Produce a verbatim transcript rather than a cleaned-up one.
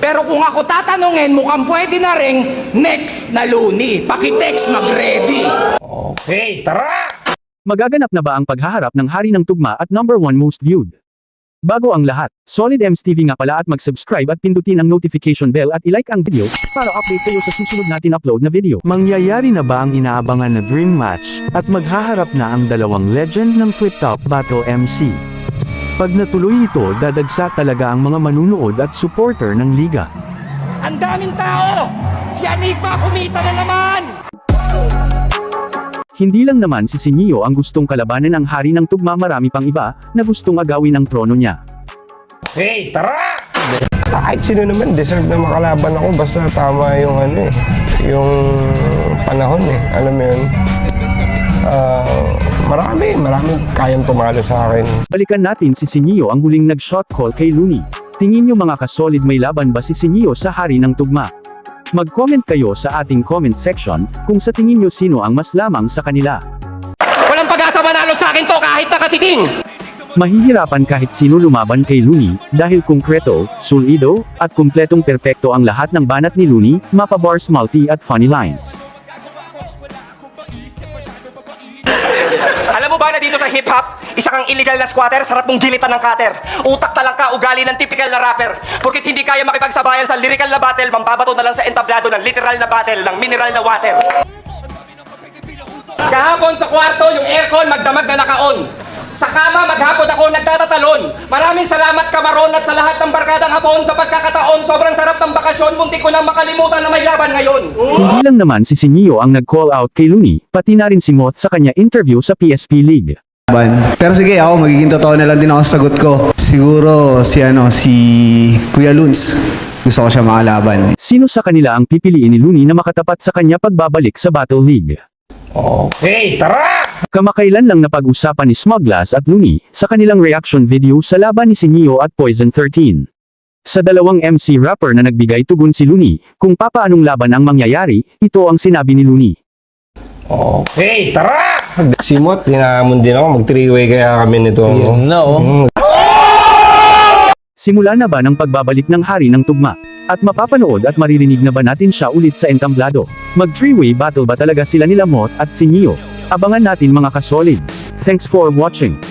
Pero kung ako tatanungin, mukhang pwede na ring next na Looney. Pakitext mag-ready. Okay, tara! Magaganap na ba ang paghaharap ng Hari ng Tugma at number one most viewed? Bago ang lahat, Solid Ems T V nga pala at mag-subscribe at pindutin ang notification bell at ilike ang video para update kayo sa susunod natin upload na video. Mangyayari na ba ang inaabangan na dream match at maghaharap na ang dalawang legend ng Flip Top Battle M C? Pag natuloy ito, dadagsa talaga ang mga manunood at supporter ng liga. Ang daming tao! Si Enigma kumita na naman! Hindi lang naman si Sinio ang gustong kalabanan ang Hari ng Tugma, marami pang iba na gustong agawin ang trono niya. Okay, tara! Kahit sino naman, deserve na makalaban ako basta tama yung ano eh, yung panahon eh, alam mo yun. Uh, marami, marami kayang tumalo sa akin. Balikan natin si Sinio ang huling nag-shot call kay Looney. Tingin nyo mga kasolid, may laban ba si Sinio sa Hari ng Tugma? Mag-comment kayo sa ating comment section kung sa tingin nyo sino ang mas lamang sa kanila. Walang pag-asa manalo sa akin to kahit nakatiting! Mahihirapan kahit sino lumaban kay Looney, dahil konkreto, solido, at kumpletong perpekto ang lahat ng banat ni Looney, mapa bars, multi at funny lines. Alam mo ba na dito sa hip-hop, isa kang illegal na squatter, sarap mong gilitan ng cutter. Utak talang ka, ugali ng typical na rapper. Porkit hindi kaya makipagsabayan sa lyrical na battle, mambabato na lang sa entablado ng literal na battle ng mineral na water. Kahapon sa kwarto, yung aircon magdamag na naka-on. Sa kama, maghapon ako nagtatatalon. Maraming salamat Kamaron at sa lahat ng barkadang hapon sa pagkakataon. Sobrang sarap ng bakasyon, muntik ko nang makalimutan na may laban ngayon. Hindi lang naman si Sinio ang nag-call out kay Looney, pati na rin si Moth sa kanya interview sa P S P League. Pero sige, ako magiging totoo na lang din ako sa sagot ko. Siguro si ano, si Kuya Luns. Gusto ko siya makalaban. Sino sa kanila ang pipiliin ni Looney na makatapat sa kanya pagbabalik sa Battle League? Okay, tara! Kamakailan lang napag-usapan ni Smuglass at Looney sa kanilang reaction video sa laban ni Sinio at Poison thirteen. Sa dalawang M C rapper na nagbigay tugon si Looney kung papaanong laban ang mangyayari, ito ang sinabi ni Looney. Okay, tara! Si Mot, hinahamon din ako, mag-three-way kaya kami nito. Yun na, oh. Mm. Simula na ba ng pagbabalik ng Hari ng Tugma? At mapapanood at maririnig na ba natin siya ulit sa entamblado? Mag-three-way battle ba talaga sila nila Moth at Sinio? Abangan natin mga kasolid. Thanks for watching.